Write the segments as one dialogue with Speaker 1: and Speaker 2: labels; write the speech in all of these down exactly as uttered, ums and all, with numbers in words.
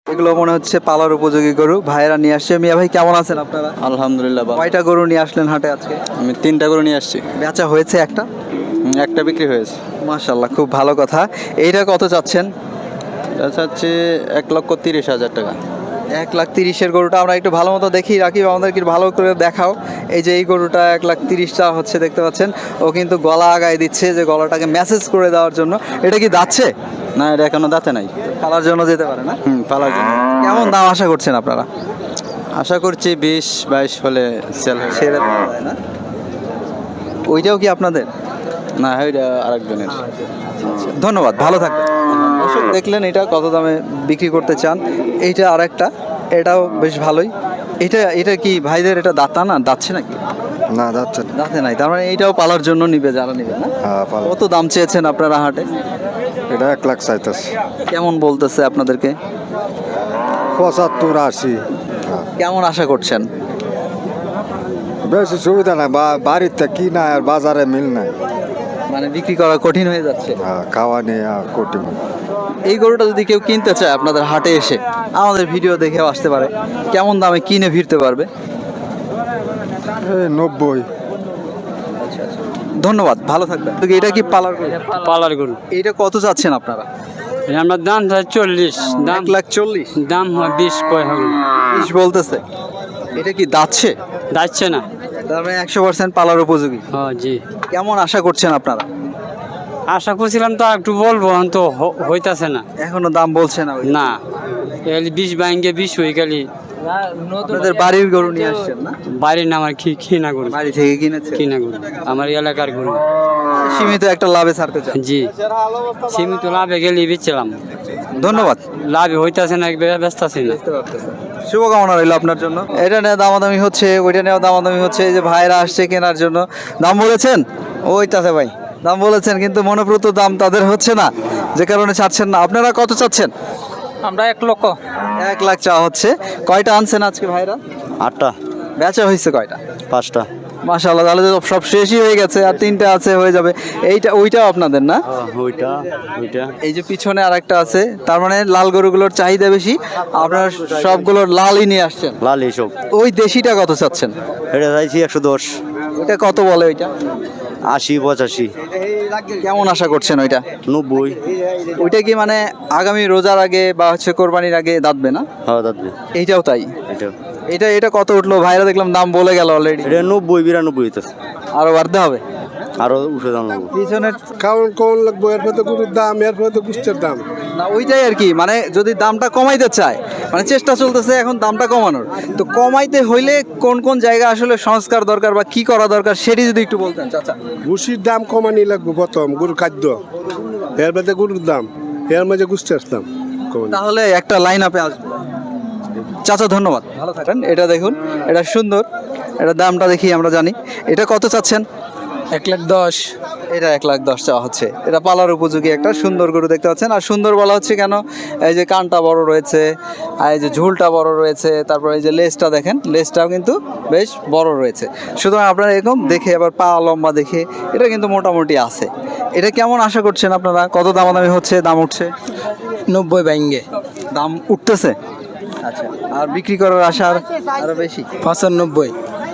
Speaker 1: এগুলো মনে হচ্ছে পালার উপযোগী গরু, ভাইয়েরা নিয়ে আসছে। মিয়া ভাই কেমন আছেন আপনারা?
Speaker 2: আলহামদুলিল্লাহ ভালো।
Speaker 1: কয়টা গরু নিয়ে আসলেন হাটে আজকে?
Speaker 2: আমি তিনটা করে নিয়ে আসছি,
Speaker 1: বেচা হয়েছে একটা?
Speaker 2: হুম, একটা বিক্রি হয়েছে।
Speaker 1: মাশাল্লাহ, খুব ভালো কথা। এইটা কত চাচ্ছেন?
Speaker 2: এটা চাচ্ছি এক লক্ষ তিরিশ হাজার টাকা।
Speaker 1: এক লাখ তিরিশের গরুটা আমরা একটু ভালো মতো দেখি, রাখি আমাদেরকে ভালো করে দেখাও। এই যে এই গরুটা এক লাখ তিরিশটা হচ্ছে, দেখতে পাচ্ছেন ও কিন্তু গলা আগায় দিচ্ছে যে গলাটাকে মেসেজ করে দেওয়ার জন্য। এটা কি দাচ্ছে?
Speaker 2: না, এটা এখনো দাঁতে নাই।
Speaker 1: পালার জন্য যেতে পারে না?
Speaker 2: হুম, পালার জন্য।
Speaker 1: কেমন দাম আশা করছেন আপনারা?
Speaker 2: আশা করছি বিশ বাইশ হলে সেল হবে।
Speaker 1: ছেড়ে দেওয়া যায় না? ওইটাও কি আপনাদের?
Speaker 2: না, ওইটা আরেকজনের।
Speaker 1: ধন্যবাদ, ভালো থাকবেন। দর্শক দেখলেন এটা কত দামে বিক্রি করতে চান। এইটা আরেকটা, এটাও বেশ ভালোই। এটা এটা কি ভাইদের এটা দাঁতা না, দাচ্ছে নাকি?
Speaker 3: না যাচ্ছে না।
Speaker 1: দাঁতে নাই, তার মানে এইটাও পালার জন্য নিবে যারা নিবে না?
Speaker 3: হ্যাঁ পালা।
Speaker 1: কত দাম চেয়েছেন আপনারা হাটে?
Speaker 3: এটা এক লাখ চাইতেছে।
Speaker 1: কেমন বলতেছে আপনাদেরকে?
Speaker 3: পঁচাত্তর আশি।
Speaker 1: কেমন আশা করছেন?
Speaker 3: বেশি সুবিধা নাই, বা- বাড়িতে কি নাই আর বাজারে মিল নাই।
Speaker 1: মানে বিক্রি করা কঠিন হয়ে যাচ্ছে।
Speaker 3: হ্যাঁ, খাওয়া নিয়ে আর কোটি।
Speaker 1: এই গরুটা যদি কেউ কিনতে চায় আপনাদের হাটে এসে, আমাদের ভিডিও দেখেও আসতে পারে, কেমন দামে কিনে ফিরতে পারবে?
Speaker 3: এই নব্বই।
Speaker 1: ধন্যবাদ, ভালো থাকবেন। তো এটা কি পালার গরু?
Speaker 4: পালার গরু
Speaker 1: এটা কত চাচ্ছেন আপনারা?
Speaker 4: আমার দাম হয় চল্লিশ, দাম
Speaker 1: এক লাখ চল্লিশ।
Speaker 4: দাম হয় বিশ কয় হবে
Speaker 1: বিশ বলতেছে। এটা কি দাচ্ছে?
Speaker 4: যাচ্ছে না।
Speaker 1: তার মানে একশো পার্সেন্ট পালার উপযোগী।
Speaker 4: হ্যাঁ জি,
Speaker 1: কেমন আশা করছেন আপনারা?
Speaker 4: আশা করছিলাম তো একটু বলবো, তো হ- হইতাছে না।
Speaker 1: এখনো দাম বলছে না? ওই
Speaker 4: না, এলি বিশ বাইঙ্গে বিশ হয়ে গেলি।
Speaker 1: আপনাদের বাড়ির গরু নিয়ে আসছেন না?
Speaker 4: বাড়ির না, আমার কি কিনা গরু,
Speaker 1: বাড়ি থেকে কিনেছে?
Speaker 4: কিনা গরু আমার এলাকার গরু।
Speaker 1: সীমিত একটা লাভে ছাড়তে চান।
Speaker 4: জি, সীমিত লাভে গেলি বেচলাম,
Speaker 1: ধন্যবাদ।
Speaker 4: লাভে হইতাছে না, ব্যস্ত আছি না।
Speaker 1: শুভকামনা রইল আপনার জন্য। এটা নিয়ে দামাদামি হচ্ছে, ওইটা নিয়েও দামাদামি হচ্ছে। এই যে ভাইরা আসছে কেনার জন্য, দাম বলেছেন? ওইটাতে ভাই দাম বলেছেন, কিন্তু মনোপ্রত দাম তাদের হচ্ছে না, যে কারণে চাচ্ছেন না। আপনারা কত চাচ্ছেন?
Speaker 4: আমরা এক লক্ষ
Speaker 1: এক লাখ চা হচ্ছে। কয়টা আনছেন আজকে ভাইরা?
Speaker 2: আটটা,
Speaker 1: বেচা হয়েছে কয়টা?
Speaker 2: পাঁচটা।
Speaker 1: মাশাআল্লাহ, তাহলে তো সব শেষই হয়ে গেছে, আর তিনটা আছে, হয়ে যাবে। এইটা ওইটাও আপনাদের না?
Speaker 2: ওইটা ওইটা
Speaker 1: এই যে পিছনে আরেকটা আছে, তার মানে লাল গরুগুলোর চাহিদা বেশি, আপনারা সবগুলোর লালই নিয়ে আসছেন।
Speaker 2: লাল এইসব।
Speaker 1: ওই দেশিটা কত চাচ্ছেন?
Speaker 2: এটা চাইছি একশো দশ।
Speaker 1: ওইটা কত বলে ওইটা?
Speaker 2: আশি পঁচাশি।
Speaker 1: কেমন আশা করছেন ওইটা?
Speaker 2: নব্বই।
Speaker 1: ওইটা কি মানে আগামী রোজার আগে বা হচ্ছে কোরবানির আগে দাঁতবে না?
Speaker 2: হ্যাঁ দাদা,
Speaker 1: এইটাও তাই?
Speaker 2: এটা
Speaker 1: এটা এটা কত উঠলো? ভাইরা দেখলাম দাম বলে গেল অলরেডি।
Speaker 2: এটা নব্বই বিরানব্বই হইতেছে।
Speaker 1: আরো বাড়তে হবে?
Speaker 2: আরো উঠে দাম লাগবে।
Speaker 1: পিছনের
Speaker 5: কারণ কোন লাগবো, এর পরে গরুর দাম, এর পরে গুষ্টের দাম।
Speaker 1: না, ওইটাই আর কি, মানে যদি দামটা কমাইতে চায়, মানে চেষ্টা চলতেছে এখন দামটা কমানোর, তো কমাইতে হইলে কোন কোন জায়গা আসলে সংস্কার দরকার বা কি করা দরকার সেটি যদি একটু বলতেন চাচা।
Speaker 5: ভুসির দাম কমানি লাগবো প্রথম, গরুর খাদ্য, এর বাদে গরুর দাম, এর মাঝে গুষ্টের দাম কমানি।
Speaker 1: তাহলে একটা লাইন আপে আসবে। চাচা ধন্যবাদ, ভালো থাকেন। এটা দেখুন, এটা সুন্দর, এটা দামটা দেখি আমরা জানি। এটা কত চাচ্ছেন?
Speaker 4: এক লাখ দশ।
Speaker 1: এটা এক লাখ দশ চাওয়া হচ্ছে। এটা পালার উপযোগী একটা সুন্দর গরু, দেখতে পাচ্ছেন। আর সুন্দর বলা হচ্ছে কেন? এই যে কানটা বড় রয়েছে, আর এই যে ঝুলটা বড় রয়েছে, তারপর এই যে লেজটা দেখেন, লেজটাও কিন্তু বেশ বড় রয়েছে। সুতরাং আপনারা এরকম দেখে, আবার পা লম্বা দেখে, এটা কিন্তু মোটামুটি আছে। এটা কেমন আশা করছেন আপনারা? কত দামাদামি হচ্ছে, দাম উঠছে?
Speaker 4: নব্বই বাইঙ্গে
Speaker 1: দাম উঠতেছে, আচ্ছা। আর বিক্রি করার আশা আর আরো বেশি?
Speaker 4: পঁচানব্বই।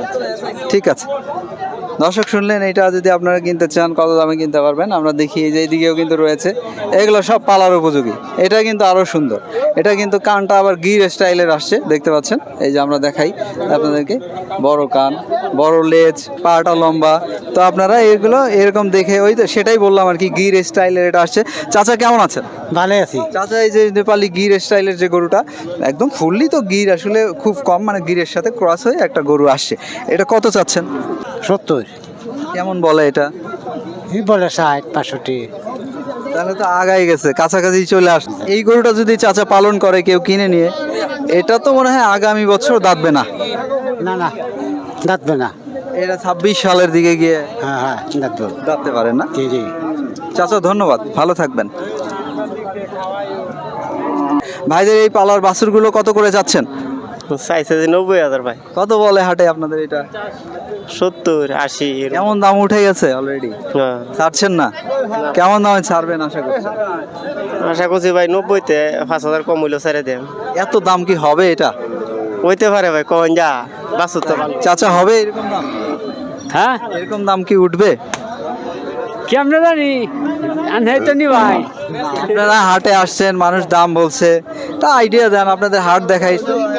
Speaker 1: ঠিক আছে। দর্শক শুনলেন, এটা যদি আপনারা কিনতে চান কত দামে কিনতে পারবেন আমরা দেখি। এই যে এইদিকেও কিন্তু রয়েছে, এগুলো সব পালার উপযোগী। এটা কিন্তু আরও সুন্দর, এটা কিন্তু কানটা আবার গির স্টাইলের আসছে, দেখতে পাচ্ছেন। এই যে আমরা দেখাই আপনাদেরকে, বড় কান, বড় লেজ, পাটা লম্বা। তো আপনারা এগুলো এরকম দেখে, ওই তো সেটাই বললাম আর কি, গির স্টাইলের এটা আসছে। চাচা কেমন আছেন?
Speaker 4: ভালো আছি।
Speaker 1: চাচা, এই যে নেপালি গির স্টাইলের যে গরুটা, একদম ফুললি তো গির আসলে খুব কম, মানে গিরের সাথে ক্রস হয়ে একটা গরু আসছে, এটা কত চাচ্ছেন?
Speaker 4: সত্তর।
Speaker 1: কেমন বলে এটা?
Speaker 4: এই বলে ষাট পাঁষট্টি।
Speaker 1: তাহলে তো আগাই গেছে, কাছাকাছি চলে আসছে। এই গরুটা যদি চাচা পালন করে কেউ কিনে নিয়ে, এটা তো মনে হয় আগামী বছর দাঁতবে না।
Speaker 4: না না, দাঁতবে না।
Speaker 1: এটা ছাব্বিশ সালের দিকে গিয়ে
Speaker 4: হ্যাঁ হ্যাঁ, দাঁতবে।
Speaker 1: দাঁততে পারে না।
Speaker 4: জি জি।
Speaker 1: চাচা ধন্যবাদ, ভালো থাকবেন। ভাইদের এই পালার বাছুরগুলো কত করে যাচ্ছেন?
Speaker 6: চাইছে যে নব্বই হাজার ভাই,
Speaker 1: কত বলে হাটে আপনাদের এটা?
Speaker 6: সত্তর আশি এরকম।
Speaker 1: কেমন দাম উঠে গেছে অলরেডি?
Speaker 6: হ্যাঁ।
Speaker 1: ছাড়ছেন না? কেমন দামে ছাড়বেন আশা করছেন?
Speaker 6: আশা করছি ভাই নব্বইতে পাঁচ হাজার কম হইলেও ছেড়ে দেন।
Speaker 1: এত দাম কি হবে এটা?
Speaker 6: হইতে পারে ভাই, কখন যা বাসুর তো ভালো।
Speaker 1: চাচা হবে এরকম দাম?
Speaker 4: হ্যাঁ
Speaker 1: এরকম দাম কি উঠবে?
Speaker 4: কেমনে জানি আনহাই তো নি ভাই।
Speaker 1: আপনারা হাটে আসছেন, মানুষ দাম বলছে, তা আইডিয়া দেন, আপনাদের হাট দেখাই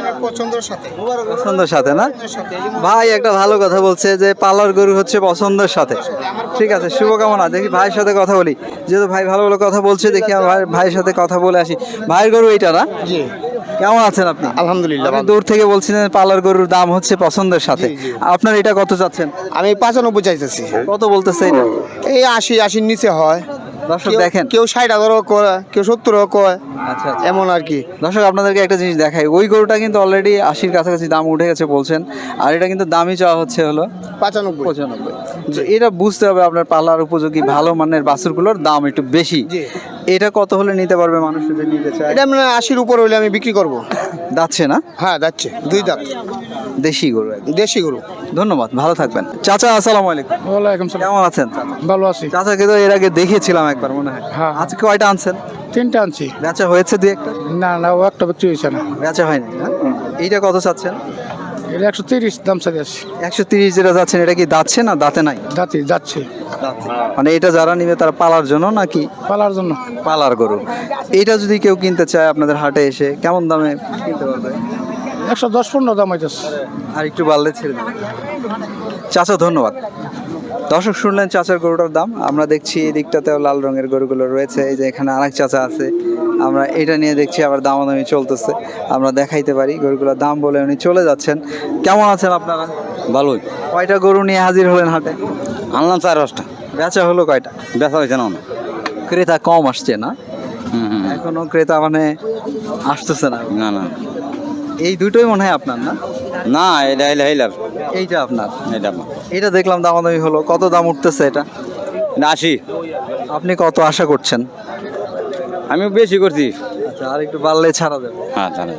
Speaker 1: পছন্দের সাথে না? ভাই একটা ভালো কথা বলছে যে পালার গরু হচ্ছে পছন্দের সাথে। ঠিক আছে, শুভকামনা। দেখি ভাইয়ের সাথে কথা বলি, যেহেতু ভাই ভালো ভালো কথা বলছে, দেখি আমার ভাই ভাইয়ের সাথে কথা বলে আসি। ভাইয়ের গরু এইটা না? কেমন আছেন আপনি?
Speaker 7: আলহামদুলিল্লাহ
Speaker 1: আপনি দূর থেকে বলছিলেন পালার গরুর দাম হচ্ছে পছন্দের সাথে, আপনার এটা কত চাচ্ছেন?
Speaker 7: আমি পাঁচানব্বই চাইতেছি।
Speaker 1: কত বলতেছে এটা?
Speaker 7: এই আশি আশির নিচে হয়।
Speaker 1: দর্শক
Speaker 7: কেউ-
Speaker 1: দেখেন,
Speaker 7: কেউ ষাট হাজারও কয়, কেউ সত্তরও কয়,
Speaker 1: আচ্ছা আচ্ছা।
Speaker 7: এমন আর কি।
Speaker 1: দর্শক আপনাদেরকে একটা জিনিস দেখাই, ওই গরুটা কিন্তু অলরেডি আশির কাছাকাছি দাম উঠে গেছে বলছেন, আর এটা কিন্তু দামই চাওয়া হচ্ছে হলো
Speaker 7: পাঁচানব্বই।
Speaker 1: পঁচানব্বই। তো এটা বুঝতে হবে আপনার পালার উপযোগী ভালো মানের বাছুরগুলোর দাম একটু বেশি। এটা কত হলে নিতে পারবে মানুষ যদি নিতে চায়?
Speaker 7: এটা মানে আশির উপর হইলে আমি বিক্রি করব।
Speaker 1: যাচ্ছে না?
Speaker 7: হ্যাঁ যাচ্ছে, দুই দাঁত
Speaker 1: দেশি গরু একদম।
Speaker 7: দেশি গরু।
Speaker 1: ধন্যবাদ, ভালো থাকবেন। চাচা আসসালামু আলাইকুম।
Speaker 8: ওয়ালাইকুম সালাম।
Speaker 1: কেমন আছেন চাচা?
Speaker 8: ভালো আছি।
Speaker 1: চাচাকে তো এর আগে দেখিয়েছিলাম একবার মনে হয়।
Speaker 8: হ্যাঁ।
Speaker 1: আজকে কয়টা আনছেন?
Speaker 8: তিনটা আনছি।
Speaker 1: বেচা হয়েছে দুই একটা?
Speaker 8: না না, ও একটা বিক্রি হয়েছে না।
Speaker 1: বেচা হয়নি না? এইটা কত চাচ্ছেন?
Speaker 8: এটা একশো তিরিশ দাম চাই আছে।
Speaker 1: একশো তিরিশ যেটা যাচ্ছেন, এটা কি দাচ্ছে না দাঁতে নাই?
Speaker 8: দাঁতি যাচ্ছে
Speaker 1: মানে এটা যারা নিবে তারা পালার জন্য নাকি?
Speaker 8: পালার জন্য।
Speaker 1: পালার গরু। এইটা যদি কেউ কিনতে চায় আপনাদের হাটে এসে কেমন দামে কিনতে পারবে?
Speaker 8: একশো দশ পনেরো দাম হইতেছে।
Speaker 1: আর একটু বাড়লে ছেড়ে দেবেন। চাচা ধন্যবাদ। দর্শক শুনলেন চাচার গরুটার দাম। আমরা দেখছি এই দিকটাতেও লাল রঙের গরুগুলো রয়েছে, এই যে এখানে আরেক চাচা আছে, আমরা এটা নিয়ে দেখছি আবার দামাদামি চলতেছে। আমরা দেখাইতে পারি গরুগুলোর দাম বলে উনি চলে যাচ্ছেন। কেমন আছেন আপনারা?
Speaker 2: ভালোই।
Speaker 1: কয়টা গরু নিয়ে হাজির হলেন হাটে?
Speaker 2: আনলাম চার পাঁচটা,
Speaker 1: বেচা হলো কয়টা?
Speaker 2: ব্যথা হয়েছে না?
Speaker 1: ক্রেতা কম আসছে না?
Speaker 2: হুম হুম।
Speaker 1: এখনো ক্রেতা মানে আসতেছে না?
Speaker 2: না না
Speaker 1: এই দুটোই মনে হয় আপনার না?
Speaker 2: না, এটা হইলে হইলার,
Speaker 1: এইটা আপনার?
Speaker 2: এটা আমার।
Speaker 1: এটা দেখলাম দামাদামি হলো, কত দাম উঠতেছে এটা?
Speaker 2: এটা আশি।
Speaker 1: আপনি কত আশা করছেন?
Speaker 2: আমি বেশি করছি।
Speaker 1: আচ্ছা, আর একটু বাড়লে ছাড়া দেবে।
Speaker 2: হ্যাঁ জানি।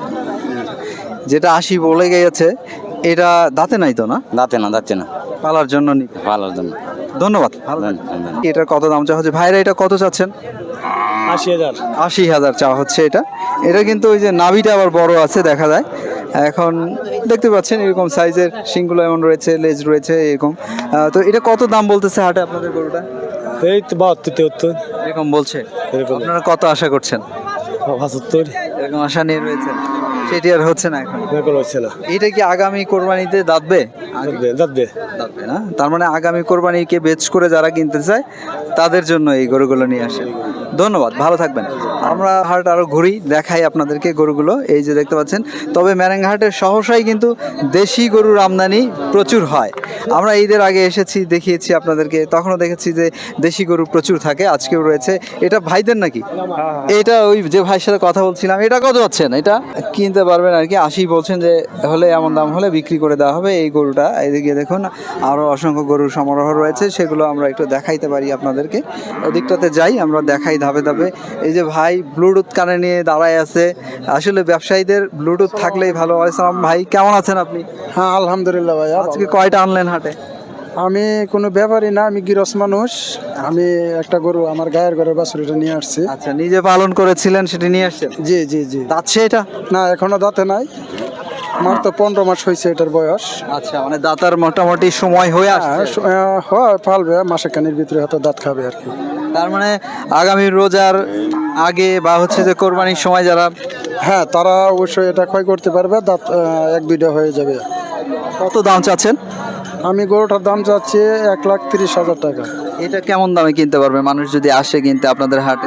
Speaker 1: যেটা আশি বলে গিয়েছে, এটা দাঁতে নাই তো না?
Speaker 2: দাঁতে না, যাচ্ছে না,
Speaker 1: পালার জন্য নিতে।
Speaker 2: ভালোর জন্য।
Speaker 1: ধন্যবাদ, ভালো থাকবেন।
Speaker 2: ধন্যবাদ।
Speaker 1: এটার কত দাম চাওয়া হচ্ছে ভাইরা? এটা কত চাচ্ছেন?
Speaker 8: আশি হাজার।
Speaker 1: আশি হাজার চাওয়া হচ্ছে এটা। এটা কিন্তু ওই যে নাভিটা আবার বড় আছে দেখা যায়। এখন দেখতে পাচ্ছেন এরকম সাইজের শিংগুলো এমন রয়েছে, লেজ রয়েছে এরকম। আহ, তো এটা কত দাম বলতেছে হাটে আপনাদের গরুটা?
Speaker 8: এই তো বাহাত্তর তেহত্তর
Speaker 1: এরকম বলছে।
Speaker 8: এরকম।
Speaker 1: আপনারা কত আশা করছেন?
Speaker 8: পঁচাত্তর
Speaker 1: এরকম আশা নিয়ে রয়েছে, সেটি আর হচ্ছে না এখন।
Speaker 8: এরকম হচ্ছে না।
Speaker 1: এটা কি আগামী কোরবানিতে দাঁতবে?
Speaker 8: যাবে।
Speaker 1: দাঁতবে না, তার মানে আগামী কোরবানিকে বেচ করে যারা কিনতে চায় তাদের জন্য এই গরুগুলো নিয়ে আসে। ধন্যবাদ, ভালো থাকবেন। আমরা হাট আরো ঘুরি, দেখাই আপনাদেরকে গরুগুলো। এই যে দেখতে পাচ্ছেন, তবে ম্যারেঙ্গাহাটের সহসাই কিন্তু দেশি গরুর আমদানি প্রচুর হয়। আমরা ঈদের আগে এসেছি, দেখিয়েছি আপনাদেরকে, তখনও দেখেছি যে দেশি গরু প্রচুর থাকে। আজকেও রয়েছে। এটা ভাইদের নাকি? এটা ওই যে ভাইয়ের সাথে কথা বলছিলাম। এটা কত হচ্ছেন? এটা কিনতে পারবেন আর কি, আশি বলছেন, যে হলে এমন দাম হলে বিক্রি করে দেওয়া হবে এই গরুটা। এদিকে দেখুন আরও অসংখ্য গরুর সমারোহ রয়েছে, সেগুলো আমরা একটু দেখাইতে পারি আপনাদেরকে। ওদিকটাতে যাই, আমরা দেখাই ধাপে ধাপে। এই যে ভাই ব্লুটুথ কানে নিয়ে দাঁড়ায় আছে, আসলে ব্যবসায়ীদের ব্লুটুথ থাকলেই ভালো। আসসালাম ভাই, কেমন আছেন আপনি?
Speaker 8: হ্যাঁ আলহামদুলিল্লাহ ভাই।
Speaker 1: আজকে কয়টা আনলেন হাটে?
Speaker 8: আমি কোনো ব্যাপারই না, আমি গিরস মানুষ। আমি একটা গরু আমার গায়ের ঘরের বাছুরিটা নিয়ে আসছি।
Speaker 1: আচ্ছা, নিজে পালন করেছিলেন, সেটি নিয়ে আসছেন?
Speaker 8: জি জি জি।
Speaker 1: যাচ্ছে এটা?
Speaker 8: না এখনো দাঁতে নাই, আমার তো পনেরো মাস হয়েছে এটার বয়স।
Speaker 1: আচ্ছা, মানে দাতার মোটামুটি সময় হয়ে
Speaker 8: হ্যাঁ
Speaker 1: আসছে।
Speaker 8: স- আহ, হয় পালবে, মাসে কানির ভিতরে হয়তো দাঁত খাবে আর কি।
Speaker 1: তার মানে আগামী রোজার আগে বা হচ্ছে যে কোরবানির সময় যারা,
Speaker 8: হ্যাঁ তারা অবশ্যই এটা ক্ষয় করতে পারবে, দাঁত আহ, এক দুইটা হয়ে যাবে।
Speaker 1: কত দাম চাচ্ছেন?
Speaker 8: আমি গরুটার দাম চাচ্ছি এক লাখ তিরিশ হাজার টাকা।
Speaker 1: এটা কেমন দামে কিনতে পারবে মানুষ যদি আসে কিনতে আপনাদের হাটে?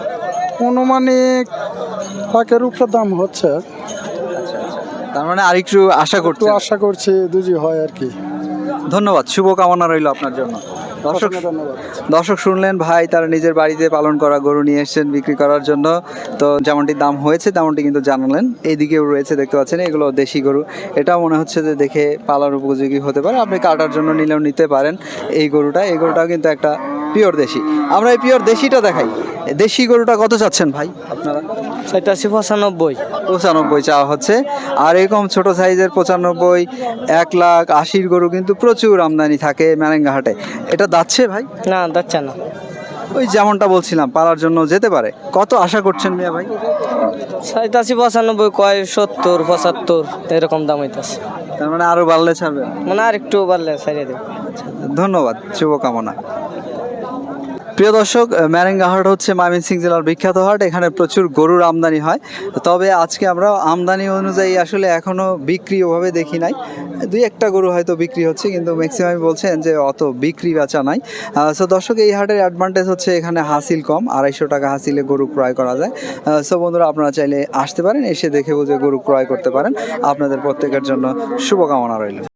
Speaker 8: অনুমানিক লাখের উপরে দাম হচ্ছে,
Speaker 1: তার মানে আরেকটু আশা
Speaker 8: একটু
Speaker 1: করতে।
Speaker 8: আশা করছি দুজি হয় আর কি।
Speaker 1: ধন্যবাদ, শুভকামনা রইল আপনার জন্য। দর্শক
Speaker 8: ধন্যবাদ।
Speaker 1: দর্শক শুনলেন, ভাই তার নিজের বাড়িতে পালন করা গরু নিয়ে এসেছেন বিক্রি করার জন্য। তো যেমনটি দাম হয়েছে তেমনটি কিন্তু জানালেন। এইদিকেও রয়েছে, দেখতে পাচ্ছেন এগুলো দেশি গরু। এটা মনে হচ্ছে যে দেখে পালার উপযোগী হতে পারে, আপনি কাটার জন্য নিলেও নিতে পারেন। এই গরুটা এই গরুটাও কিন্তু একটা পিওর দেশি। আমরা এই পিওর দেশিটা দেখাই। দেশি গরুটা কত চাচ্ছেন ভাই আপনারা?
Speaker 6: চাইতাছি পঁচানব্বই।
Speaker 1: পঁচানব্বই চাওয়া হচ্ছে। আর এরকম ছোট সাইজের পঁচানব্বই, এক লাখ আশির গরু কিন্তু প্রচুর আমদানি থাকে ম্যারেঙ্গা হাটে। এটা দাচ্ছে ভাই?
Speaker 6: না যাচ্ছে না।
Speaker 1: ওই যেমনটা বলছিলাম পালার জন্য যেতে পারে। কত আশা করছেন মিয়া ভাই?
Speaker 6: চাইতাছি পঁচানব্বই, কয় সত্তর পঁচাত্তর এরকম দাম হইতাছে।
Speaker 1: তার মানে আরো বাড়লে ছাড়বেন?
Speaker 6: মানে আর একটু বাড়লে ছাড়িয়ে দেবো।
Speaker 1: ধন্যবাদ, শুভকামনা। প্রিয় দর্শক, ম্যারেঙ্গা হাট হচ্ছে ময়মনসিংহ জেলার বিখ্যাত হাট। এখানে প্রচুর গরুর আমদানি হয়। তবে আজকে আমরা আমদানি অনুযায়ী আসলে এখনো বিক্রি ওভাবে দেখি নাই। দুই একটা গরু হয়তো বিক্রি হচ্ছে, কিন্তু ম্যাক্সিমাম বলছেন যে অত বিক্রি বেচা নাই। সো দর্শক, এই হাটের অ্যাডভান্টেজ হচ্ছে এখানে হাসিল কম, আড়াইশো টাকা হাসিলে গরু ক্রয় করা যায়। সো বন্ধুরা, আপনারা চাইলে আসতে পারেন, এসে দেখে বুঝে গরু ক্রয় করতে পারেন। আপনাদের প্রত্যেকের জন্য শুভকামনা রইল।